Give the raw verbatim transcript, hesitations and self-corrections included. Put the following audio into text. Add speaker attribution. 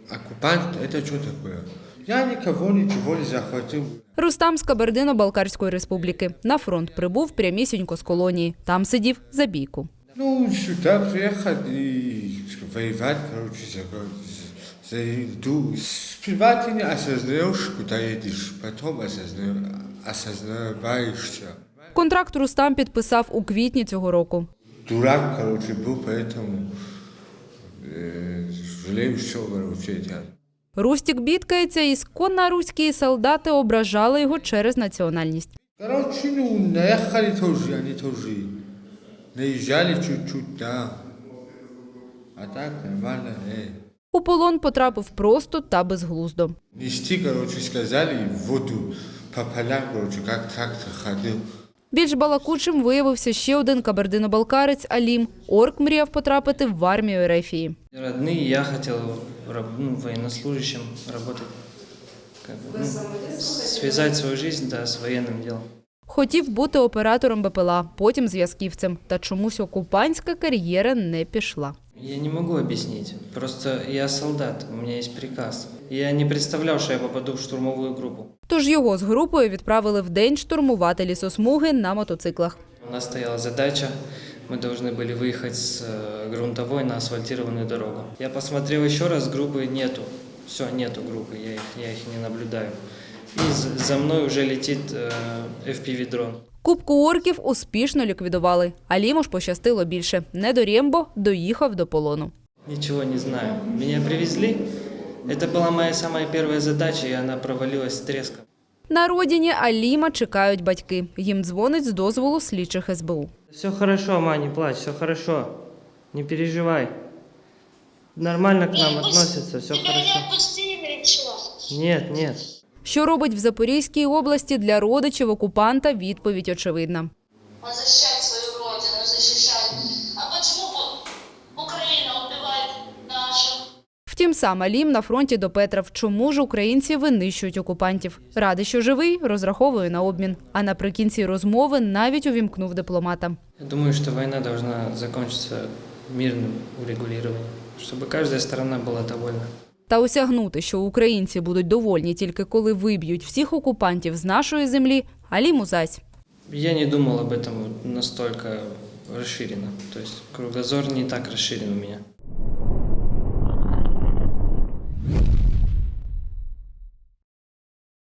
Speaker 1: Оккупант – это что такое? Я никого ничего не захватил.
Speaker 2: Рустам з Кабардино-Балкарської республіки. На фронт прибув прямісінько з колонії. Там сидів за бійку.
Speaker 1: Ну, сюда приехать и воевать, короче, за, за еду. Сперва ты не осознаешь, куда едешь, потом осозна... осознаваешься.
Speaker 2: Контракт Рустам підписав у квітні цього року.
Speaker 1: Дурак, короче, был, поэтому э, жалею, что, короче, я.
Speaker 2: Рустік бідкається, ісконно руські солдати ображали його через національність.
Speaker 1: Короче, ну, наехали тоже, они тоже. Наезжали чуть-чуть, да. А так нормально, эй.
Speaker 2: У полон потрапив просто та безглуздо.
Speaker 1: Нести, короче, сказали, в воду по полям, короче, как трактор ходил.
Speaker 2: Більш балакучим виявився ще один кабардино-балкарець Алім. Орк мріяв потрапити в армію Ерефії.
Speaker 3: Родные, я хотел ну, военнослужащим работать, как бы, ну, связать свою жизнь, да, с военным делом.
Speaker 2: Хотів бути оператором БПЛА, потім зв'язківцем. Та чомусь окупантська кар'єра не пішла.
Speaker 3: Я не могу объяснить. Просто я солдат, у меня есть приказ. Я не представлял, что я попаду в штурмовую группу.
Speaker 2: Тож його з групою відправили вдень штурмувати лісосмуги на мотоциклах.
Speaker 3: У нас стояла задача, мы должны были выехать с грунтовой на асфальтированную дорогу. Я посмотрел еще раз, группы нету. Все, нету группы, я их, я их не наблюдаю. И за мной уже летит эф пі ві-дрон.
Speaker 2: Купку орків успішно ліквідували. Аліму ж пощастило більше. Не до Рембо доїхав до полону.
Speaker 3: Ничего не знаю. Меня привезли. Это была моя самая первая задача, и она провалилась с треском.
Speaker 2: На родині Аліма чекають батьки. Їм дзвонить з дозволу слідчих ес бе у.
Speaker 3: Все хорошо, ма, не плачь, все хорошо. Не переживай. Нормально к нам относятся, все хорошо. Нет, нет.
Speaker 2: Що робить в Запорізькій області для родичів окупанта, відповідь очевидна.
Speaker 4: Защищать свою родину, защищать. А почему Украина убивает нашу?
Speaker 2: Втім, сам Алім на фронті допетрав, чому ж українці винищують окупантів. Радий, що живий, розраховує на обмін. А наприкінці розмови навіть увімкнув дипломата.
Speaker 3: Я думаю, что война должна закончиться мирным урегулированием, чтобы каждая сторона была довольна.
Speaker 2: Та осягнути, що українці будуть довольні тільки коли виб'ють всіх окупантів з нашої землі, Аліму зась.
Speaker 3: Я не думал об этом настолько расширенно. То есть кругозор не так расширен у меня.